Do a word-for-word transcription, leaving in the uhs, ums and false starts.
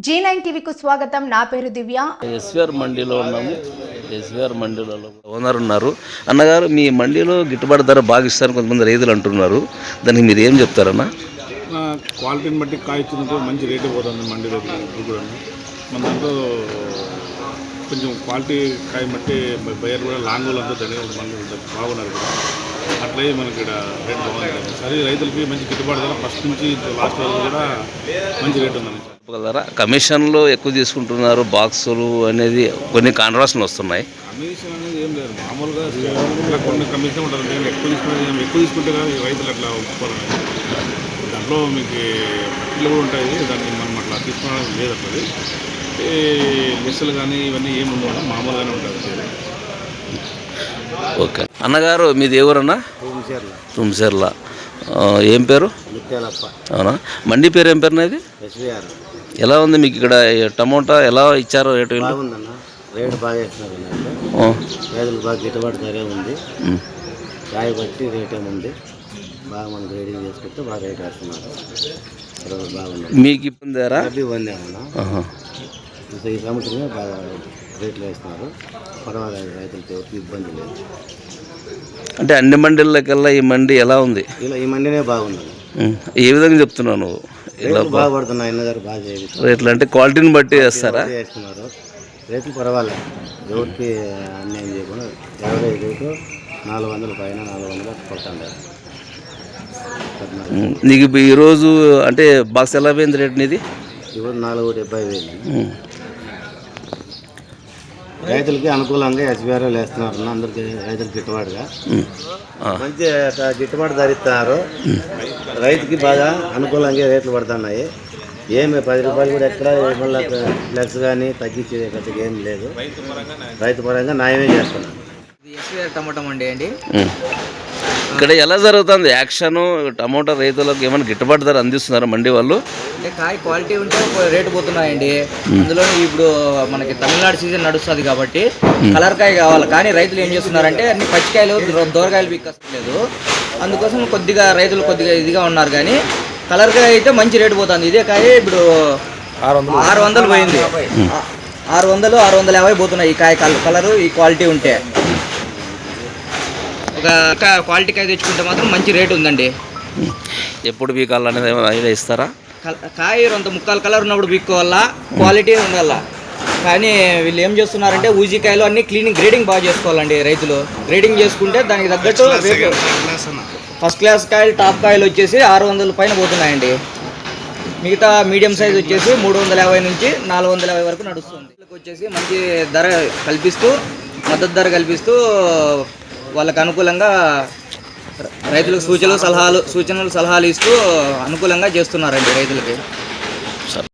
G nine టీవీకు స్వాగతం. నా పేరు దివ్య. ఎస్వీఆర్ మండీలో ఉన్నాము. ఎస్వీఆర్ మండీలో ఓనర్ ఉన్నారు. అన్నగారు, మీ మండీలో గిట్టుబాటు ధర బాగా ఇస్తారని కొంతమంది రైతులు అంటున్నారు. దానికి మీరు ఏం చెప్తారన్నా? క్వాలిటీని బట్టి కాయ ఇచ్చినప్పుడు మంచి రేటు పోతుంది మండీ దగ్గర కూడా. మన దాంట్లో కొంచెం క్వాలిటీ కాయ బట్టి బయర్ కూడా లాంగ్ అంతా దగ్గర మంది బాగున్నారు కూడా. అట్లే మనకి ఇక్కడ రేట్ బాగుంది. సరే, రైతులకి మంచి గిట్టుబాటు ధర ఫస్ట్ నుంచి లాస్ట్ వరకు కూడా మంచి రేట్ ఉందని చెప్పగలరా? కమిషన్లు ఎక్కువ తీసుకుంటున్నారు, బాక్సులు అనేది కొన్ని కాంట్రవర్సీలు వస్తున్నాయి. కమిషన్ అనేది ఏం లేదు, మామూలుగా ఇట్లా కొన్ని కమిషన్ ఉంటుంది. నేను ఎక్కువ తీసుకునే ఎక్కువ తీసుకుంటే కానీ రైతులు అట్లా ఒప్పుకోవాలి. దాంట్లో మీకు పట్టిలు కూడా ఉంటాయి, దాన్ని మనం అట్లా తీసుకోవడం లేదు. అట్లా లెస్సులు కానీ ఇవన్నీ ఏమి ఉండవు, మామూలుగానే ఉంటుంది. ఓకే అన్నగారు, మీది ఎవరన్నా? తుమ్సేర్ల. ఏం పేరు? అవునా? మండి పేరు ఏం పేరు నాది? ఎలా ఉంది మీకు ఇక్కడ టమోటా? ఎలా ఇచ్చారు రేటు? బాగుందన్న, రేటు బాగా వేస్తున్నారు. రైతులు బాగా గిట్టుబాటు ధరే ఉంది. కాయ బట్టి రేట్ ఏముంది, బాగా మనం గ్రేడింగ్ చేసుకుంటే బాగా రేట్ వేస్తున్నారు. బాగుంది. మీకు ఇబ్బంది ఇబ్బంది ఏమన్నా ఈ సంవత్సరమే బాగా రేట్లు వేస్తున్నారు. పర్వాలేదు, రైతులకి ఎవరికి ఇబ్బంది లేదు. అంటే అన్ని మండీలకెల్లా ఈ మండి ఎలా ఉంది? ఇలా ఈ మండినే బాగుంది. ఏ విధంగా చెప్తున్నావు నువ్వు? బాగా పడుతున్నాయి అన్నగారు, బాగా రేట్లు అంటే క్వాలిటీని బట్టి వేస్తారా? వేస్తున్నారు. రేట్లు పర్వాలేదు, ఎవరికి అన్యాయం చేయకుండా యావరేజ్ రేటు నాలుగు వందల పైన నాలుగు వందలు కొడుతుంటారు. నీకు ఈరోజు అంటే బాక్స్ ఎలా పోయింది రేట్ నీది? ఇప్పుడు నాలుగు డెబ్బై వేలు. రైతులకి అనుకూలంగా ఎస్బీఆర్ వేస్తున్నారు. అందరికి రైతులకు గిట్టుబాటుగా మంచి గిట్టుబాటు ధరిస్తున్నారు. రైతుకి బాగా అనుకూలంగా రేట్లు పడుతున్నాయి. ఏమి పది రూపాయలు కూడా ఎక్కడ మళ్ళీ ఫ్లెక్స్ కానీ తగ్గించేది పెద్దగా ఏం లేదు. రైతు పరంగా న్యాయమే చేస్తున్నారు. ఎస్వీఆర్ టమాటా మండి అండి. ఇక్కడ ఎలా జరుగుతుంది యాక్షన్? టమోటా రైతులకు ఏమైనా గిట్టుబాటు ధర అందిస్తున్నారు మండి వాళ్ళు? అంటే కాయ క్వాలిటీ ఉంటే రేటు పోతున్నాయండి. అందులో ఇప్పుడు మనకి తమిళనాడు సీజన్ నడుస్తుంది కాబట్టి కలర్ కాయ కావాలి. కానీ రైతులు ఏం చేస్తున్నారంటే అన్ని పచ్చికాయలు దూరకాయలు బిక్కలేదు. అందుకోసం కొద్దిగా రైతులు కొద్దిగా ఇదిగా ఉన్నారు. కానీ కలర్ కాయ అయితే మంచి రేటు పోతుంది. ఇదే కాయ ఇప్పుడు ఆరు వందలు పోయింది. ఆరు వందలు ఆరు వందల యాభై పోతున్నాయి ఈ కాయ కలరు ఈ క్వాలిటీ ఉంటే. ఒక క్వాలిటీ కాయ తెచ్చుకుంటే మాత్రం మంచి రేటు ఉందండి. ఎప్పుడు బీకాలనేది ఏమైనా ఐడియా ఇస్తారా? కాయ అంత ముక్కాలు కలర్ ఉన్నప్పుడు బీక్కోవాలా, క్వాలిటీ ఉండాల. కానీ వీళ్ళు ఏం చేస్తున్నారంటే ఊజికాయలు అన్ని క్లీనింగ్ గ్రేడింగ్ బాగా చేసుకోవాలండి. రైతులు గ్రేడింగ్ చేసుకుంటే దానికి తగ్గట్టు ఫస్ట్ క్లాస్ కాయలు టాప్ కాయలు వచ్చేసి ఆరు వందల పైన పోతున్నాయండి. మిగతా మీడియం సైజ్ వచ్చేసి మూడు వందల యాభై నుంచి నాలుగు వందల యాభై వరకు నడుస్తుంది. వచ్చేసి మంచి ధర కల్పిస్తూ మద్దతు ధర కల్పిస్తూ వాళ్ళకు అనుకూలంగా రైతులకు సూచనలు సలహాలు సూచనలు సలహాలు ఇస్తూ అనుకూలంగా చేస్తున్నారండి రైతులకి.